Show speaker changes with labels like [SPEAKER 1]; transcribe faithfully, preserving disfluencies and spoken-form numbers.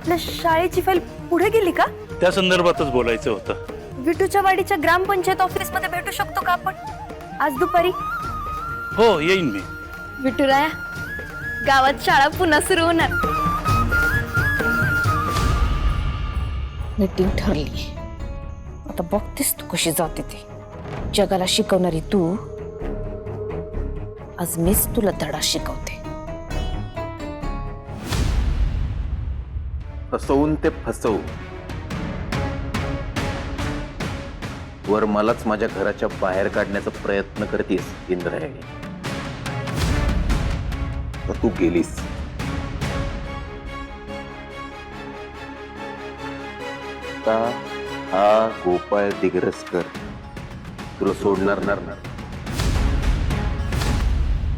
[SPEAKER 1] आपल्या शाळेची फाईल पुढे गेली का?
[SPEAKER 2] त्या संदर्भातच बोलायचं होतं.
[SPEAKER 1] विटूच्या वाडीच्या ग्रामपंचायत ऑफिस मध्ये भेटू शकतो का आपण आज दुपारी?
[SPEAKER 2] हो येईन मी.
[SPEAKER 1] विठुराया, गावात शाळा पुन्हा सुरू होणार.
[SPEAKER 3] मीटिंग ठरली. आता बघतेस तू कशी जाते ते. जगाला शिकवणारी तू, आज मीच तुला धडा शिकवते.
[SPEAKER 4] फसवून ते फसवू वर मलाच माझ्या घराच्या बाहेर काढण्याचा प्रयत्न करतेस इंद्रायणी. तर तू गेलीस. आता हा गोपाळ दिग्रसकर तुला सोडणार नाही.